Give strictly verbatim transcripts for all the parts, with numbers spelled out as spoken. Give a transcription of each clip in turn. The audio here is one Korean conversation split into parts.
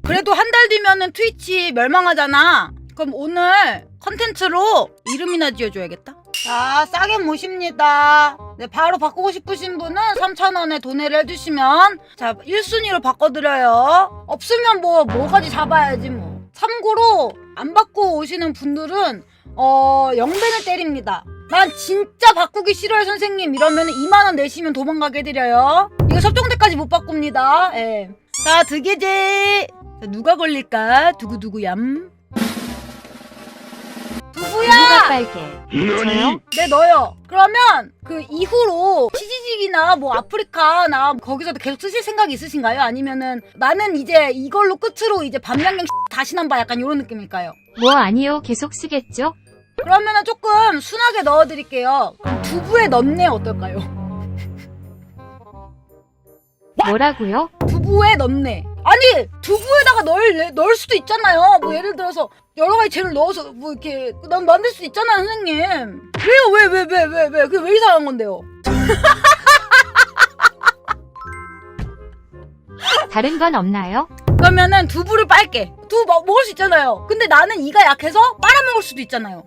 그래도 한 달 뒤면은 트위치 멸망하잖아. 그럼 오늘 컨텐츠로 이름이나 지어줘야겠다. 자, 싸게 모십니다. 네, 바로 바꾸고 싶으신 분은 삼천 원에 도내를 해주시면 자, 일 순위로 바꿔드려요. 없으면 뭐 뭐까지 잡아야지 뭐. 참고로 안 바꾸고 오시는 분들은 어 영배를 때립니다. 난 진짜 바꾸기 싫어요 선생님 이러면 이만 원 내시면 도망가게 해드려요. 이거 섭정대까지 못 바꿉니다. 예. 자, 드게제. 자, 누가 걸릴까? 두구두구얌. 누가 두부야! 빨개? 저요? 네, 너요. 그러면 그 이후로 치지직이나 뭐 아프리카나 거기서도 계속 쓰실 생각이 있으신가요? 아니면은 나는 이제 이걸로 끝으로 이제 밤양갱 다시 남봐 약간 이런 느낌일까요? 뭐 아니요, 계속 쓰겠죠? 그러면은 조금 순하게 넣어드릴게요. 그럼 두부에 넣네 어떨까요? 뭐라고요? 두부에 넣네. 아니 두부에다가 넣을 넣을 수도 있잖아요. 뭐 예를 들어서 여러 가지 재료를 넣어서 뭐 이렇게 난 만들 수 있잖아요, 선생님. 왜요? 왜 왜 왜 왜 왜 그게 왜 이상한 건데요? 다른 건 없나요? 그러면은 두부를 빨게. 두부 먹, 먹을 수 있잖아요. 근데 나는 이가 약해서 빨아먹을 수도 있잖아요.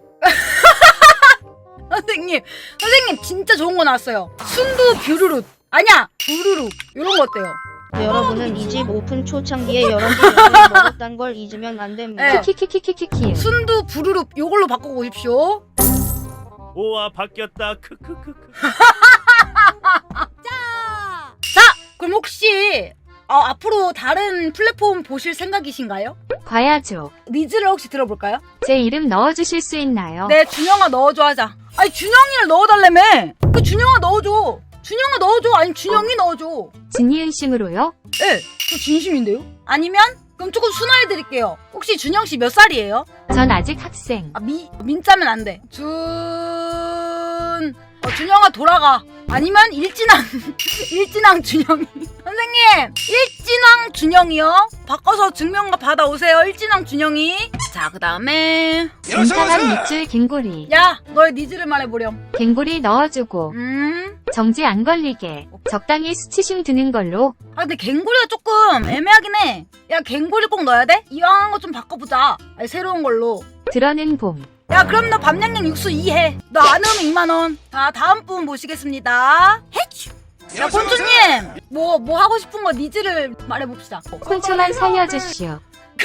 선생님, 선생님 진짜 좋은 거 나왔어요. 순두 뷰르룻. 아니야, 부르륵. 이런 거 어때요? 여러분은 이 집 오픈 초창기에 여러 개 면을 먹었단 걸 잊으면 안 됩니다. 네. 키키키키키키. 순두 부르륵 요걸로 바꾸고 오십시오. 오와 바뀌었다. 크크크크. 자, 그럼 혹시 어, 앞으로 다른 플랫폼 보실 생각이신가요? 과야죠. 니즈를 혹시 들어볼까요? 제 이름 넣어주실 수 있나요? 네, 준영아 넣어줘 하자. 아니 준영이를 넣어달라며. 그 준영아 넣어줘. 준영아 넣어줘. 아니 준영이 넣어줘. 진이은심으로요? 예, 저 진심인데요? 아니면 그럼 조금 순화해드릴게요. 혹시 준영 씨 몇 살이에요? 전 아직 학생. 아, 미 민자면 안 돼. 준 어, 준영아 돌아가. 아니면 일진왕 일진왕 준영이. 선생님, 일진왕 준영이요. 바꿔서 증명과 받아오세요. 일진왕 준영이. 자, 그 다음에 인사한 밑줄 갱고리. 야, 너의 니즈를 말해보렴. 갱고리 넣어주고 음. 정지 안 걸리게 적당히 수치심 드는 걸로. 아, 근데 갱고리가 조금 애매하긴 해. 야, 갱고리 꼭 넣어야 돼? 이왕 한 거 좀 바꿔보자. 아니, 새로운 걸로. 들어는 봄. 야, 그럼 너 밤양양 육수 이 해. 너 안 오면 이만 원. 자, 다음 분 모시겠습니다. 헤츄. 야, 콘초님. 뭐, 뭐 하고 싶은 거 니즈를 말해봅시다. 콘초만 살려주시오.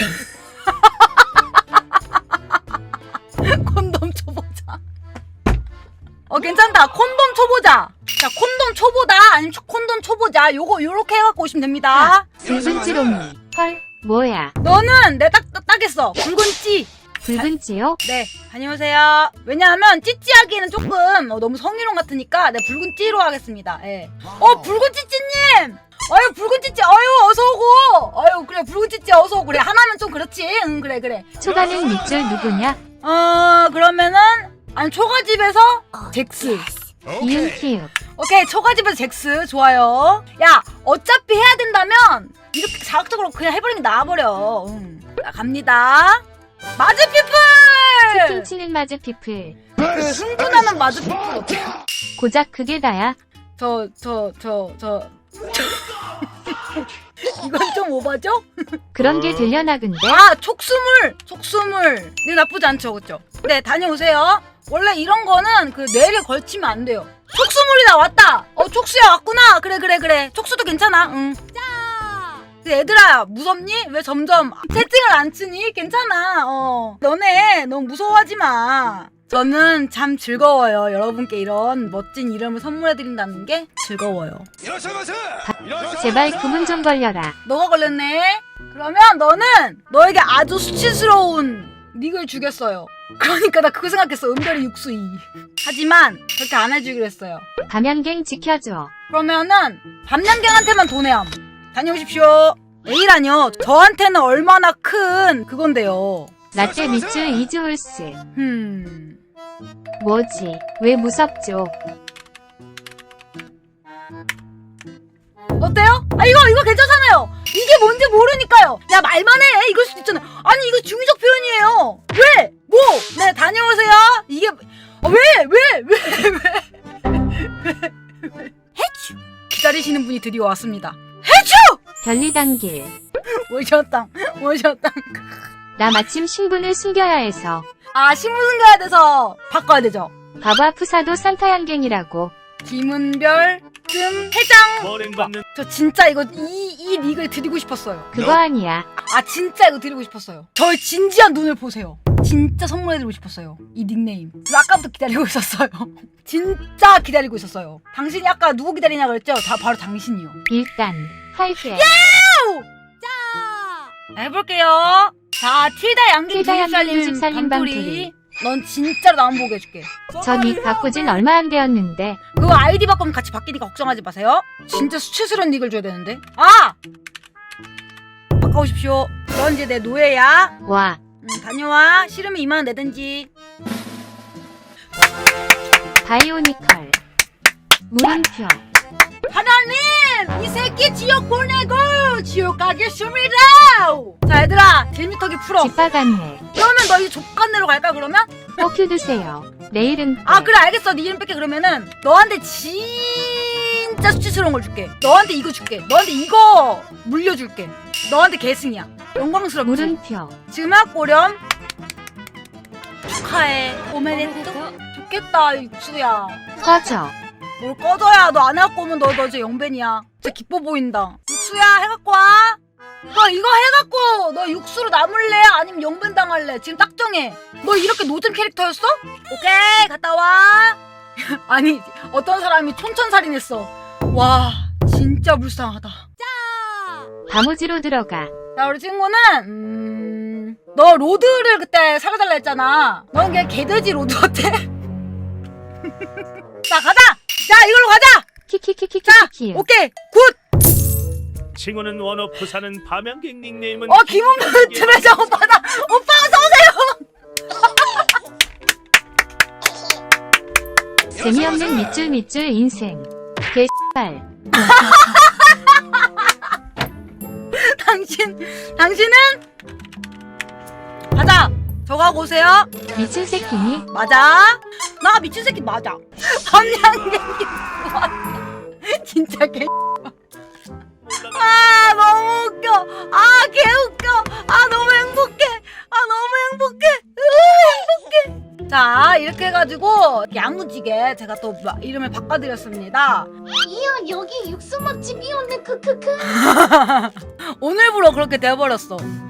콘돔 초보자. 어, 괜찮다. 콘돔 초보자. 자, 콘돔 초보다 아니면 초- 콘돔 초보자. 요거 요렇게 해갖고 오시면 됩니다. 붉은 찌롱이. 헐, 뭐야? 너는 내 딱 따겠어. 붉은 찌. 붉은 찌요? 네, 다녀오세요. 왜냐하면 찌찌하기에는 조금 어, 너무 성희롱 같으니까 네, 붉은 찌로 하겠습니다. 예. 어, 붉은 찌찌님! 아유, 붉은 찌찌, 아유, 어서오고! 아유, 그래, 붉은 찌찌 어서오고. 그래, 하나면 좀 그렇지. 응, 그래, 그래. 초가는 밑줄 누구냐? 어, 그러면은, 아니, 초가집에서 잭스. 이응 키읔. 오케이, 초가집에서 잭스. 좋아요. 야, 어차피 해야 된다면, 이렇게 자극적으로 그냥 해버리는 게 나아버려. 응. 자, 갑니다. 마즈피플! 채팅 치는 마즈 피플. 그 흥분하는 마즈피플 어때요? 고작 그게 다야. 저, 저, 저, 저. 이건 좀 오바죠? 그런 게 되려나 근데? 아, 촉수물! 촉수물. 네, 나쁘지 않죠, 그쵸? 네, 다녀오세요. 원래 이런 거는 그 뇌를 걸치면 안 돼요. 촉수물이 나왔다! 어, 촉수야 왔구나! 그래, 그래, 그래. 촉수도 괜찮아, 응. 자! 얘들아, 무섭니? 왜 점점 채팅을 안 치니? 괜찮아, 어. 너네 너무 무서워하지 마. 저는 참 즐거워요. 여러분께 이런 멋진 이름을 선물해드린다는 게 즐거워요. 제발 구문 좀 걸려라. 너가 걸렸네? 그러면 너는 너에게 아주 수치스러운 닉을 주겠어요. 그러니까 나 그거 생각했어. 은별이 육수 이. 하지만 그렇게 안 해주기로 했어요. 밤양갱 지켜줘. 그러면은 밤양갱한테만 돈해함. 다녀오십시오. 에이라뇨. 저한테는 얼마나 큰 그건데요. 라떼 밑줄 이즈홀스. 흠. 뭐지? 왜 무섭죠? 어때요? 아, 이거 이거 괜찮잖아요. 이게 뭔지 모르니까요. 야, 말만 해. 이럴 수도 있잖아. 아니, 이거 중의적 표현이에요. 왜? 뭐? 네, 다녀오세요. 이게 아, 왜? 왜? 왜? 왜? 왜? 왜? 해추. 기다리시는 분이 드디어 왔습니다. 해추! 별리단길. 오셨당. 모셨다. 나 마침 신분을 숨겨야 해서. 아, 신분 숨겨야 돼서 바꿔야 되죠. 봐봐 푸사도 산타 양갱이라고. 김은별 금 회장. 머랭 받는 저 진짜 이거 이, 이 닉을 드리고 싶었어요. 그거 아니야. 아 진짜 이거 드리고 싶었어요. 저의 진지한 눈을 보세요. 진짜 선물해드리고 싶었어요. 이 닉네임. 그래서 아까부터 기다리고 있었어요. 진짜 기다리고 있었어요. 당신이 아까 누구 기다리냐 그랬죠? 다 바로 당신이요. 일단 할게. 자 해볼게요. 자 틸다 양갱 틸다 양갱 두집살림 두집살림 밤토리. 밤토리. 넌 진짜로 나 안 보게 해줄게. 저 닉 바꾼 진 얼마 안 되었는데. 그거 아이디 바꾸면 같이 바뀌니까 걱정하지 마세요. 진짜 수치스러운 닉을 줘야 되는데. 아! 바꿔오십시오. 넌 이제 내 노예야. 와. 응, 다녀와. 싫으면 이만 원 내든지. 바이오니컬. 물음표. 하나님! 이 새끼 지옥 보내고 지옥 가겠습니다! 자 얘들아 질미터기 풀어. 집바갔네. 그러면 너 이제 족간내로 갈까 그러면? 뻑큐 드세요. 내일은 아 그래 알겠어. 네 이름 뺄게. 그러면은 너한테 진짜 수치스러운 걸 줄게. 너한테 이거 줄게. 너한테 이거 물려줄게. 너한테 계승이야. 영광스럽지? 물음표. 지막 고렴 축하해. 오메데또. 좋겠다 육수야. 꺼져. 뭘 꺼져야. 너 안 해갖고 오면 너, 너 이제 영벤이야. 진짜 기뻐 보인다. 육수야 해갖고 와. 너 이거 해갖고 너 육수로 남을래? 아니면 영벤 당할래? 지금 딱 정해. 너 이렇게 노잼 캐릭터였어? 오케이 갔다 와. 아니 어떤 사람이 촌천살인했어. 와 진짜 불쌍하다. 다모지로 들어가. 자 우리 친구는 음... 너 로드를 그때 사려달라 했잖아. 넌 그냥 개돼지 로드 어때? 자 가자. 자 이걸로 가자. 자 키키키키키키. 오케이 굿. 칭호는 원어 부사는 밤양갱 닉네임은 어 김은별 트레저 오빠다. 오빠 어서 오세요. 재미없는 밑줄 밑줄 인생. 개발. 당신 당신은 가자. 저거 하고 오세요. 미친 새끼니? 맞아. 나 미친 새끼 맞아. 밤양갱이 진짜 개. 아 너무 웃겨. 아 개 웃겨. 아 너무 행복해. 아 너무 행복해. 으, 행복해. 자 이렇게 해가지고 야무지게 제가 또 마- 이름을 바꿔드렸습니다. 이야 여기 육수 맛집이었네 크크크. 오늘부로 그렇게 돼버렸어.